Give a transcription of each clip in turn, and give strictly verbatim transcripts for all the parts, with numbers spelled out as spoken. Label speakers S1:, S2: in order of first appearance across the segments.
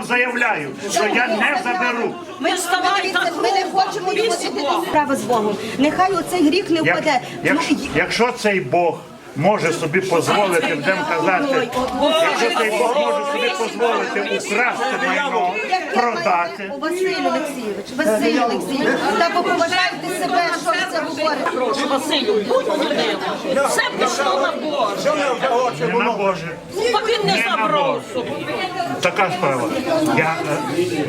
S1: вам заявляю, що я не заберу.
S2: Ми вставай так,
S3: Ми не хочемо відносити справи з Богом. Нехай оцей гріх не
S1: Як,
S3: впаде.
S1: якщо, якщо цей Бог може собі дозволити, будемо казати, якщо цей Бог може собі дозволити украсти майно, продати.
S3: Василь Олексійович, Василь Олексійович, та поважайте себе, що ви це говорите.
S2: прошу, Василю, будь людиною. Все пішло на Боже.
S1: Не на Боже.
S2: Та він не забрав собі.
S1: Така справа. Я е,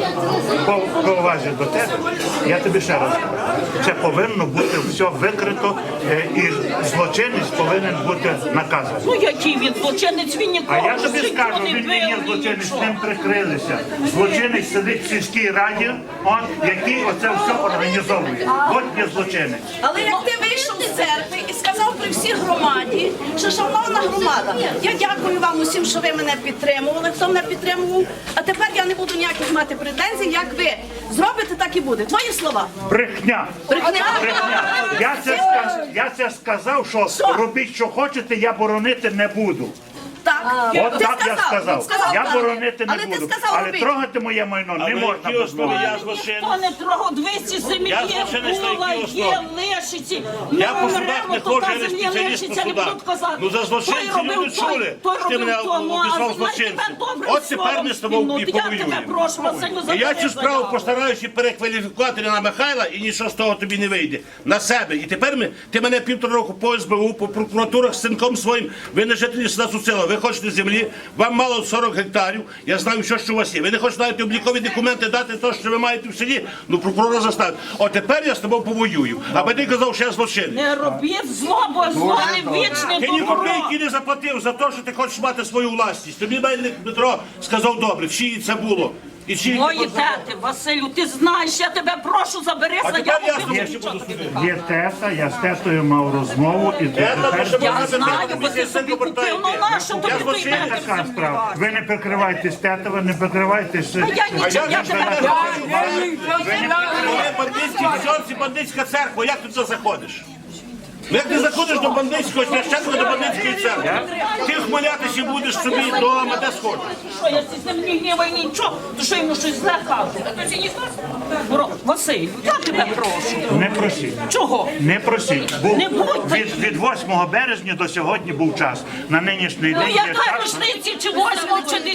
S1: по, по увазі до тебе, я тобі ще раз кажу, це повинно бути все викрито, е, і злочинець повинен бути наказаний.
S2: Ну який він злочинець, він
S1: А
S2: нікого
S1: я
S2: в
S1: тобі
S2: житті
S1: скажу,
S2: не
S1: він не є
S2: бив, ні
S1: злочинець,
S2: нічого.
S1: ним прикрилися. Злочинець сидить в сільській раді, от, який оце все організовує. От є злочинець.
S4: Але як ти вийшов з церкви і сказав при всій громаді, що шановна громада, я дякую вам усім, що ви мене підтримували, хто мене підтримував, а тепер я не буду ніяких мати претензій, як ви зробите, так і буде. Твої слова.
S1: Брехня.
S4: Брехня.
S1: Брехня. Я це, сказ, я це сказав, що
S4: Що?
S1: робіть, що хочете, я боронити не буду.
S4: Так,
S1: От
S4: ти
S1: так я сказав.
S4: сказав
S1: Я
S4: так.
S1: боронити не
S4: Але
S1: буду.
S4: ти сказав
S1: Але
S4: робити.
S1: трогати моє майно не можна
S5: які основи
S1: дозволити.
S5: я злочинець?
S2: Ніхто не трогав двісті землі,
S5: Я
S2: є
S5: злочинець на
S2: була,
S5: якій
S2: є
S5: основі?
S2: лишиці.
S5: Я
S2: Ми
S5: по судах
S2: умремо,
S5: не
S2: то
S5: ходжу,
S2: та
S5: я не
S2: земля
S5: спеціаліст
S2: лишиться,
S5: по
S2: не
S5: судах.
S2: будуть казати.
S5: Ну за злочинців
S2: Той
S5: люди
S2: робив
S5: чули,
S2: той,
S5: що ти
S2: той
S5: мене
S2: робив тому, а
S5: обізвав
S2: знаєте,
S5: злочинцем.
S2: тебе добре
S5: От тепер
S2: словом
S5: ми з тобою
S2: спільнути.
S5: і
S2: Я тебе
S5: повоюємо.
S2: прошу, Василю,
S5: І я
S2: забери
S5: цю справу
S2: заяву.
S5: постараюся перекваліфікувати на Михайла, і нічого з того тобі не вийде. На себе. І тепер ми, ти мене півтора року по ес бе у, по прокуратурах з синком своїм, ви не жителі села Суцила, ви хочете землі, вам мало сорок гектарів, я знаю, що, що у вас є. Ви не хочете навіть облікові документи дати те, що ви маєте в селі, ну прокурора заставить. От тепер я з тобою повоюю. Аби ти казав, що я злочинець.
S2: Не робіть зло, бо зло не вічне
S5: Ти ні
S2: добро.
S5: копійки не заплатив за те, що ти хочеш мати свою власність. Тобі Мельник Дмитро сказав добре, чиї це було. І чиї
S2: Мої
S5: ти познав.
S2: тети, Василю, ти знаєш, я тебе прошу, забери
S5: А тепер
S2: заяву.
S5: я
S2: ти
S5: з тобою
S2: мені
S5: ще
S2: нічого
S5: буду
S2: тобі
S5: судити.
S1: Є тета, я з тетою мав розмову, і
S5: Тета,
S1: тепер...
S5: то ще
S2: Я
S5: можна
S2: знаю,
S5: тепер
S2: бо ти собі купив, ну нащо тобі
S5: Я
S2: той
S5: злочинець.
S2: метр
S1: Така
S2: землі?
S1: справа. Ви не прикривайтесь тетова, не прикривайтесь...
S2: А я нічого, я тебе прошу.
S5: Ви бандитські взорці, бандитська церква, як ти туди заходиш? Ну, як ти заходиш до бандитського священника, до бандитської церкви? Ти хмелятися будеш собі вдома, де сходиш.
S2: Що я з ним не гніваю нічого, то що йому щось зле кажу? Бро, Василь, я тебе прошу.
S1: Не просіть.
S2: Чого?
S1: Не просіть. Був,
S2: Не будь
S1: від, від восьмого березня до сьогодні був час. На нинішній
S2: Ну
S1: день є
S2: яка
S1: час.
S2: рушниці, чи восьмого, чи